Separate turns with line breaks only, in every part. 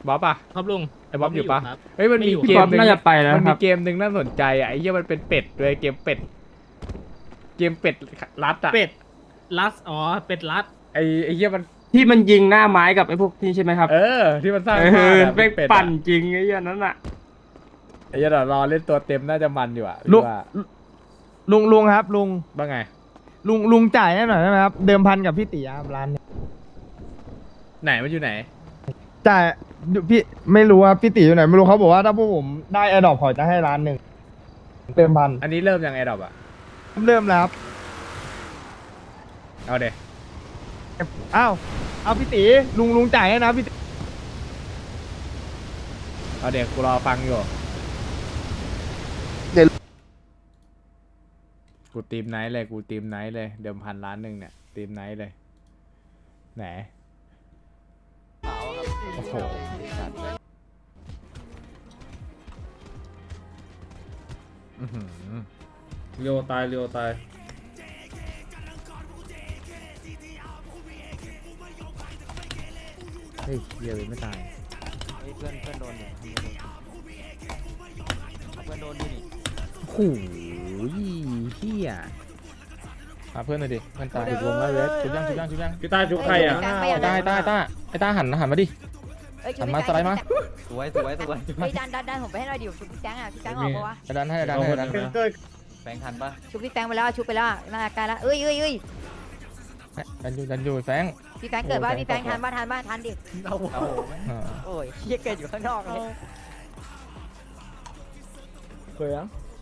บ๊อบอ่ะ
ครับลุง
ไอ้บ๊อบอยู่ปะ
ครับ
เฮ้ยมันมี
ไม่อยู่
เกมหนึง
น่าจะไปแล้ว
มัน
ค
มี
รับ
เกมหนึ่งน่าสนใจอ่ะไอ้เหี้ยมันเป็นเป็ดด้วยเกมเป็ดรัดอ่ะ
เป็ดลัสอ๋อเป็ดลัส
ไอ้เหี้ยมัน
ที่มันยิงหน้าไม้กับไอ้พวกนี่ใช่ไหมครับ
ที่มันสร้าง
เอ
ภาพ
อ
อะ
เป็น
เป็ด
ปั่น
อะ
จริงไอ้เหี้ยนั้นอ่ะ
ไอ้เหี้ยเดี๋ยวรอเล่นตัวเต็มน่าจะมันอยู่อ่ะ
ลุง
ว่า
ลุงครับลุง
บ้างไง
ลุงจ่ายให้หน่อยได้ไหมครับเดิมพันกับพี่ตีครับร้านเนี่ย
ไหนมันอยู่ไหน
จ่ายพี่ไม่รู้ว่าพี่ตีอยู่ไหนไม่รู้เขาบอกว่าถ้าพวกผมได้แอร์ดรอปเขาจะให้ร้านหนึ่งเดิมพัน
อันนี้เริ่มยังไงดอกอ่ะ
เริ่มแล้วครับ
เอาเด
อ้าวเอาพี่ตีลุงจ่ายให้นะพี่ตี
เอาเด็กกูรอฟังอยู่
เดี๋ยว
กูทีมไนท์เลยกูทีมไนท์เลยเดิมพันล้านหนึ่งเนี่ยทีมไนท์เลยไหนโอ้โหสัตว์อื้อหือ
เรียวตายเรียวตาย
เฮ้ยเหี้ยเลยไม่ตาย
เพื่อนโดนอยู่เพื่อนโดนดินี่
โอ้โหเฮีย
หาเพื่อนหน่อยดิเพื่อนตาย
ติดวงแล้วเวส
ชุบยัง
พี่ตาชุบใครอ่ะ
ไอ้ต้าหันมาดิหันมาสไลด์มา
สวย
เฮ้ยดันผมไปให้หน่อยดิชุบพี่แฟงอ่ะพี่แฟงออกปะวะ
ดันให้
แฟงทันปะ
ชุบพี่แฟงไปแล้วชุบไปแล้วน่าใกล้แล้วเอ้ย
ดันอยู่แฟง
พี่แฟงเกิดบ้านพี่แฟงทันบ้านทันดิ
เอาโอ้ยเฮียเกิดอยู่ข้างนอกเลย
เคยยัง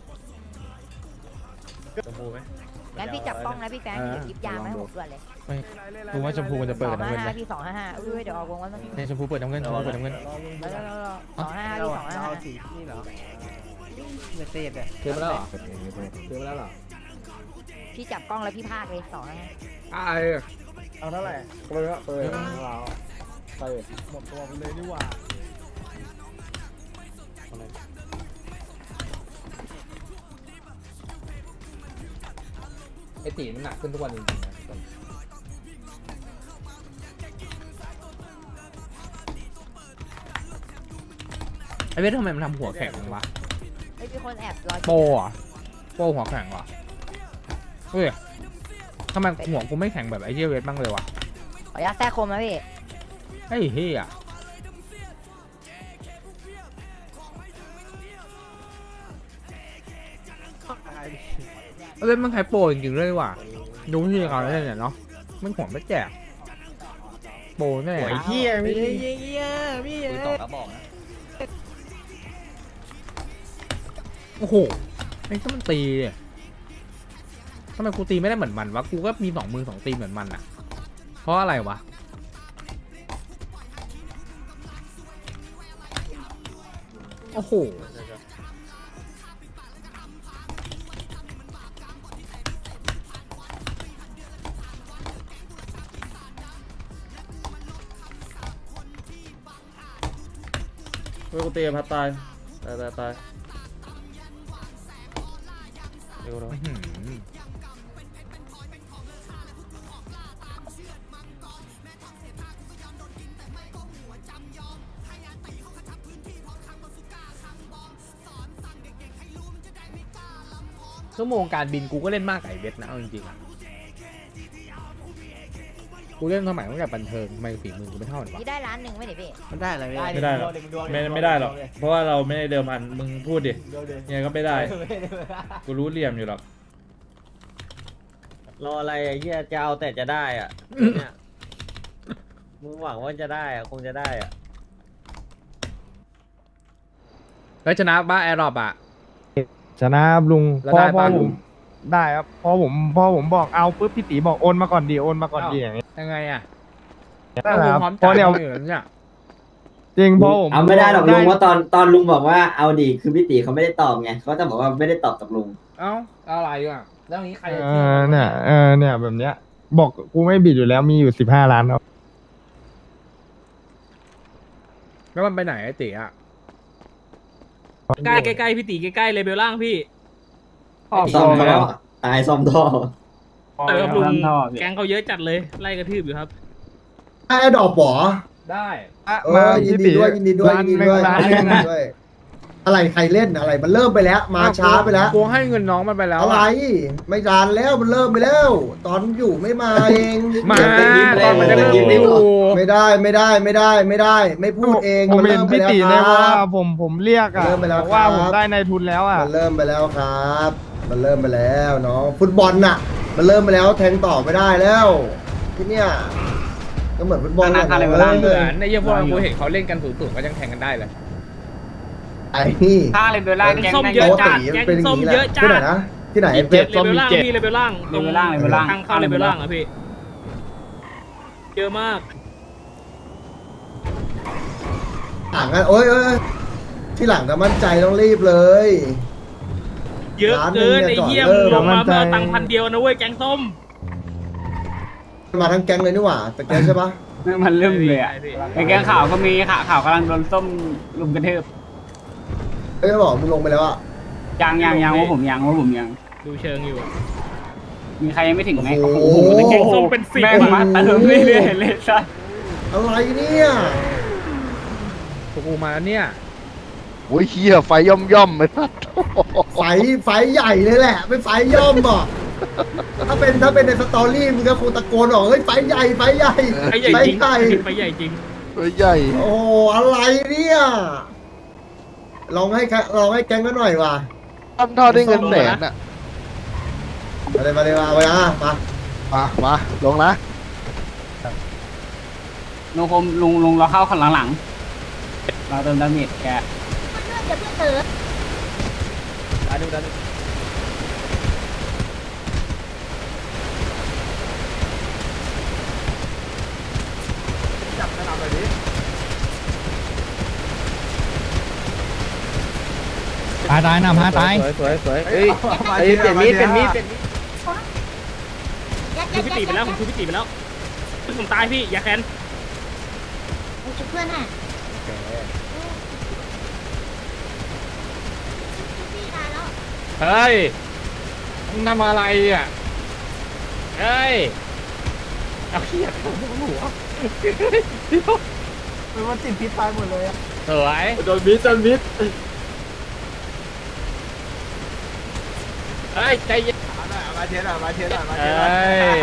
ชมพูไหม
งั้นพี่จับกล้องนะพี่แฟงเดี๋ยวยิบยามาให้ผมด่วนเลย
ดูว่าชมพูมันจะเปิดกับน้ำเงินไหม
พี่255อุ้ยเดี๋ยวออกวงว่ามัน
ชมพูเปิดน้ำเงินชมพูเปิดน้ำเงิน
255พี่255
นี่เหรอเมสเซจเนี่ย
เทมาแล้วเหรอเทมาแล้วเหรอ
พี่จับกล้องแล้วพี่พากเลย255
เอาเท่าไหร่เลยครับเลยเราไปหมดตัวไปเลยดีกว่า
ไอตีมันหนักขึ้นทุกวันจริงๆนะไอเวททำไมมันทำหัวแข็งวะ
เฮ้ยมีคนแอบรอ
โปอ่ะโปหัวแข็งวะเฮ้ยทำไมหัวกูไม่แข็งแบบไอเหี้ยเวทบ้างเลยวะ
ขออนุญาตแทรกคมนะพี่
ไอ้เหี้ยเล่นมันใช้โปรจริงๆเลยว่ะดูที่เขาเล่นเนี่ยเนาะมันหัวไม่แจกโปรแน่
ไอ้เหี้ยไม่ใช่
ปืนตอกกระบอกนะ
โอ้โหไอ้ก็มันตีเนี่ยทำไมกูตีไม่ได้เหมือนมันวะกูก็มี2 มือ 2 ตีเหมือนมันอะเพราะอะไรวะโอ้โห
เฮ้ยกูเตะพัดตายตาย
อื้อหือชั่วโมงการบินกูก็เล่นมากกว่าไอ้เวทนะเอาจริงๆอะกูเล่นสมัยตั้งแต่บันเทิงทำไมฝีมือกูไม่เท่ามันวะ
พี่ได้ล้านหนึ่งไหมเนี่ยพี่
มันได้อะไร
ไม่ได้หรอกไม่ได้หรอกเพราะว่าเราไม่ได้เดิมพันมึงพูดดิยังไงก็ไม่ได้กูรู้เหลี่ยมอยู่หรอก
รออะไรไอ้เหี้ยจะเอาแต่จะได้อ่ะเนี่ยมึงหวังว่าจะได้อ่ะคงจะได้อ่ะ
แล้วชนะบ้าแอร์รอบอ่ะ
ชนะครับลุง
แล้ว
พ่อ
ได้
พ่อ
ปะ
ผมได้ครับพอผมบอกเอาปุ๊บพี่ตีบอกโอนมาก่อนดีโอนมาก่อนดีอย่างนี้
ยังไงอ่ะ
นั่นแหละครับ
พร้อม
พอ
จ่าย
เนี่ย
อยู่แล้วเนี่ย
จริงพอผม
เอาไม่ได้หรอกลุงว่าตอนลุงบอกว่าเอาดีคือพี่ตีเขาไม่ได้ตอบไงเขาจะบอกว่าไม่ได้ตอบกับลุง
เอ้าอะไรอ่ะแล้วนี้ใครจะ
เอ
เชื่อ
อเนี่ยเนี่ยแบบเนี้ย บอกกูไม่บิดอยู่แล้วมีอยู่15 ล้านครับ
แล้วมันไปไหนไอ้ตีอ่ะ
ใกล้พี่ตีใกล้เลเบลล่างพี่
ซ่อมท่อตายซ่อมท่อ
เออครับลุงแก๊งเขาเยอะจัดเลยไล่กระทืบอยู่ครับ
ไอ้ดอกป๋อ
ได้
มา
ยินดีด้วยยินดีด้วย
ร้าน
ยินดี
หนึ่ง
ด้วย
ร้าน
ยิ
หนึ่
น
ง
ดีด้วยอะไรใครเล่นอะไรมันเริ่มไปแล้ว มาช้าไปแล้ว
กูให้เงินน้องมันไปแล้ว
อะไร ไม่ดานแล้วมันเริ่มไปแล้ว ตอนอยู่ไม่มาเอง
มาตอนมันจะเริ่มอยู่
ไม่ได้ ไม่พูดเอง
ผม
มัน
เห็
เริ่
น
มไป
พี่
แล้ว
ตี
ค
ใน
รั
ว่า
บ
ผมเรียกอ่ะ
เริ่มไปแล้ว
บอกว่า
ครับ
ผมได้ในทุนแล้วอ่ะ
มันเริ่มไปแล้วครับมันเริ่มไปแล้วเนาะฟุตบอลน่ะ มันเริ่มไปแล้วแทงต่อไม่ได้แล้วที่เนี่ยก็เหมือนฟุตบอลแหละ
เหมือนในเยี่ยพวกเรากูเห็นเขาเล่นกันสูงๆก็ยังแข่งกันได้เลย
ไอ้นี่
ถ้าเลเวลล่าง
แกง
แกง
ส้ม
แม่ง
เยอะจัด
ตี
แกง
เป็นอย่าง
ส้ม
นี้แห
เย
ละ
อะจั
ที่ไหน
ด
นะที่ไหน
เล
เว็บ
เวลล่างพี่เลเวลล่างตรง
เลเวลล่างเลเวลล่าง
ทางเข้าเลเวลล่างอะพี่เยอะมาก
หลังอ่ะโอ้ยที่หลังก็มั่นใจต้องรีบเลย
เยอะเกินไอ้เหี้ย
ร้านหนึ่งเนี่ย
ลงมา
ก่อนเริ่ม
เพื่อเอาตังค์1,000นะเว้ยแกงส้ม
มาทั้งแก๊งเลยนี่หว่าแต่แก๊งใช่ปะ
มันเริ่มเลยอ่ะไอ้แกงข่าวก็มีข่าวกำลังโดนส้มลุมกระทืบ
เอ้ยบอกมึงลงไปแล้วอ่ะ
ยังว่าผมยัง
ดูเชิงอยู่
มีใครยังไม่ถึงไหม
โอ้โห
แกงส้มเป็น10
แม่งมาเติมเรื่อยๆเลยสัส
อะไรเนี่ย
พวกกูมาแล้วเนี่ย
โอ้ยเฮียไฟย่อมๆไม่ทัด
ไฟใหญ่เลยแหละไม่ไฟย่อมอ่ะถ้าเป็นในสตอรี่มึงก็คงตะโกนออกเฮ้ยไฟใหญ่
ไปใหญ่จริงไปใหญ่จริง
ไฟใหญ่
โอ้อะไรเนี่ยลองให้แก๊งกันหน่อยว่ะ
ทำท่อได้เงินแสนอ่ะ
มาเลยมา
มาลงนะ
โนคมลุงเราเข้าข้างหลังเราเติมดาเมจแก
เดี๋ยวเพื่อนเต๋อ
ตายนำฮะตาย
สวยเอ้ยเปลี่ยนมีด
คือพี่ตีไปแล้วผมคือพี่ตีไปแล้วผมตายพี่อย่าแค้น
เพื่อนน่ะพี่ตายแล้ว
เฮ้ยมึงทำอะไรอ่ะเฮ้ยเอาเขี้ยหัว
มันติดพิษตายหมดเลยอ่ะ
สวย
โดนมิด
เฮ้ยใจเย็น
มาเทียนมาเทียน
เฮ้ย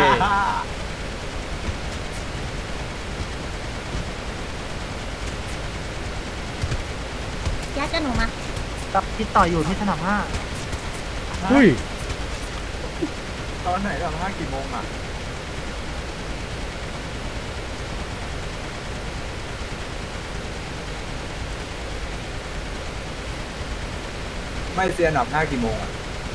ยัดกับหนูมา
กับคิดต่ออยู่ที่สนามห้า
เฮ้ย
ตอนไหนสนามห้ากี่โมงอ่ะไม่เซียนสนามห้ากี่โมงอ่ะ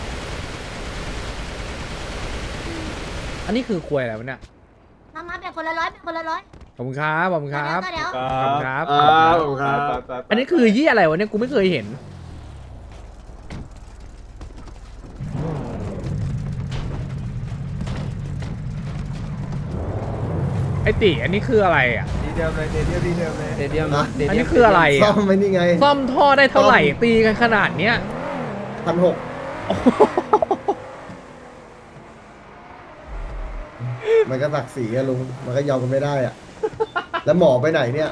อันนี้คือควยอะไรวะเนี่ย
มาแบ่งคนละ100
ขอบคุณครับขอบคุณครับ
เดี๋ยว
ขอบคุณครับ
ครับ
อันนี้คือยี่อะไรวะเนี่ยกูไม่เคยเห็น ไอติอันนี้คืออะไรอ่ะ
ดีเดิมเลยดีเดิมเลย
เดเดียม
อันนี้คืออะไร
ซ่อ
อ่ะ
มไหมนี่ไง
ซ่อมท่อได้เท่าไหร่ตีกันขนาดเนี้ย
1,600มันก็ศักดิ์ศรีอะลุงมันก็ยอมกันไม่ได้อ่ะแล้วหมอไปไหนเนี่ย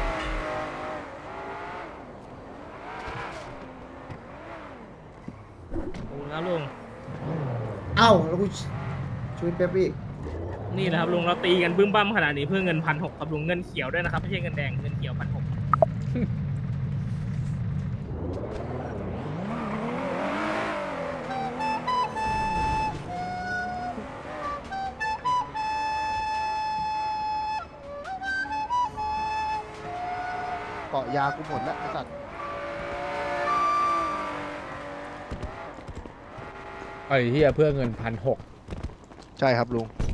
ขอบคุณครับลุง
เอ้าแล้วกูช่วยเป๊ปอีก
นี่นะครับลุงเราตีกันบึ้มบั้มขนาดนี้เพื่อเงิน1,600ครับลุงเงินเขียวด้วยนะครับไม่ใช่เงินแดงเงินเขียว1,600
เกาะยากูหมดแล้วไอ้สัตว์
ไอ้เฮียเพื่อเงิน1,600
ใช่ครับลุง